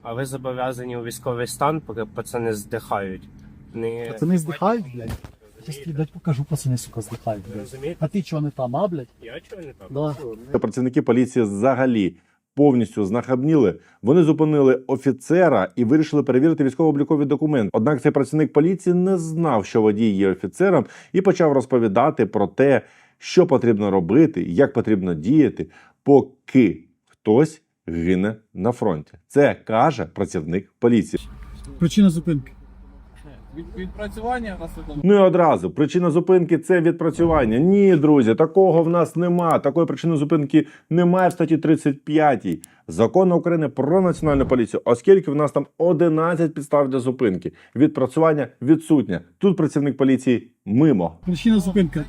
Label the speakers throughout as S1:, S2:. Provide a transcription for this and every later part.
S1: А ви зобов'язані у військовий стан, поки пацани здихають.
S2: Пацани здихають, блядь? Я тобі, блядь, покажу, пацани, сука, здихають, блядь.
S1: Розумієте?
S2: А ти чого не там, а, блядь?
S1: Я чого не там?
S2: Да.
S3: Працівники поліції взагалі повністю знахабніли. Вони зупинили офіцера і вирішили перевірити військово-облікові документи. Однак цей працівник поліції не знав, що водій є офіцером, і почав розповідати про те, що потрібно робити, як потрібно діяти, поки хтось гине на фронті. Це каже працівник поліції.
S2: Причина зупинки.
S4: Відпрацювання наслідом.
S3: Ну і одразу, причина зупинки – це відпрацювання. Ні, друзі, такого в нас нема. Такої причини зупинки немає в статті 35 Закону України про національну поліцію, оскільки в нас там 11 підстав для зупинки. Відпрацювання відсутнє. Тут працівник поліції мимо.
S2: Причина зупинки.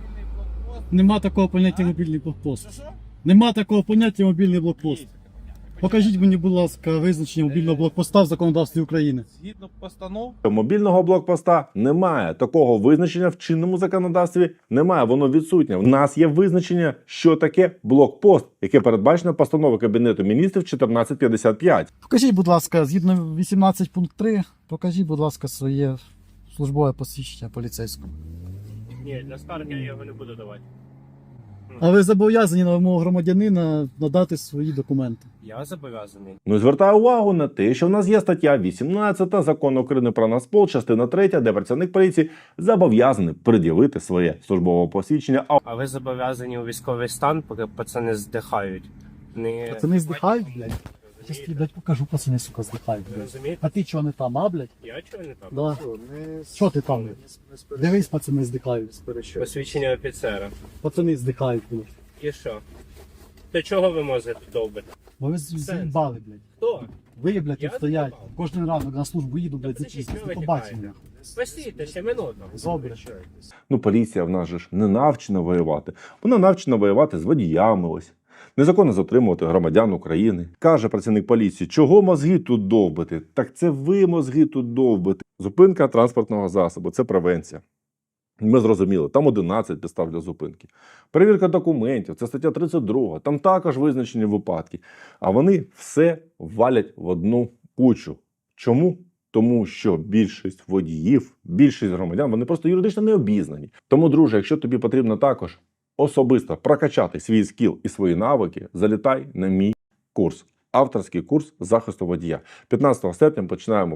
S2: Нема такого поняття мобільний блокпост. Нема такого поняття мобільний блокпост. Покажіть мені, будь ласка, визначення мобільного блокпоста в законодавстві України.
S4: Згідно постанов,
S3: Мобільного блокпоста немає. Такого визначення в чинному законодавстві немає. Воно відсутнє. У нас є визначення, що таке блокпост, яке передбачено постановою Кабінету міністрів 1455.
S2: Покажіть, будь ласка, згідно 18 пункт 3, покажіть, будь ласка, своє службове посвідчення поліцейського.
S1: Ні, для скарги я його не буду давати.
S2: А ви зобов'язані на вимогу громадянина надати свої документи.
S1: Я зобов'язаний.
S3: Ну і звертаю увагу на те, що в нас є стаття 18 Закону України про Нацпол, частина 3, де працівник поліції зобов'язаний пред'явити своє службове посвідчення.
S1: А ви зобов'язані у військовий стан, поки пацани здихають.
S2: Пацани здихають, блядь? Я тобі, блядь, покажу, пацани, сука, здихають, блядь.
S1: Розумієте?
S2: А ти чого не там, а, блядь?
S1: Я чого не там?
S2: Да. Що ти там, блядь? Дивись, пацани здихають.
S1: Посвідчення офіцера.
S2: Пацани здихають, блядь.
S1: І що? То чого ви можете довбити?
S2: Бо ви заїбали, блядь.
S1: Хто?
S2: Ви, блядь,
S1: Я
S2: тут стоять.
S1: заїбав.
S2: Кожен ранок на службу їду, блядь, за
S1: Подождіть,
S2: чистість.
S1: що ви
S2: До побачення.
S1: тікаєте? Посійте ще минуту.
S2: Добре.
S3: Ну, поліція в нас же ж не навчена воювати. Вона навчена воювати з водіями ось. Незаконно затримувати громадян України. Каже працівник поліції, чого мозги тут довбити? Так це ви мозги тут довбите. Зупинка транспортного засобу – це превенція. Ми зрозуміли, там 11 підстав для зупинки. Перевірка документів, це стаття 32, там також визначені випадки. А вони все валять в одну кучу. Чому? Тому що більшість водіїв, більшість громадян, вони просто юридично не обізнані. Тому, друже, якщо тобі потрібно також особисто прокачати свій скіл і свої навики, залітай на мій курс. Авторський курс захисту водія. 15 серпня починаємо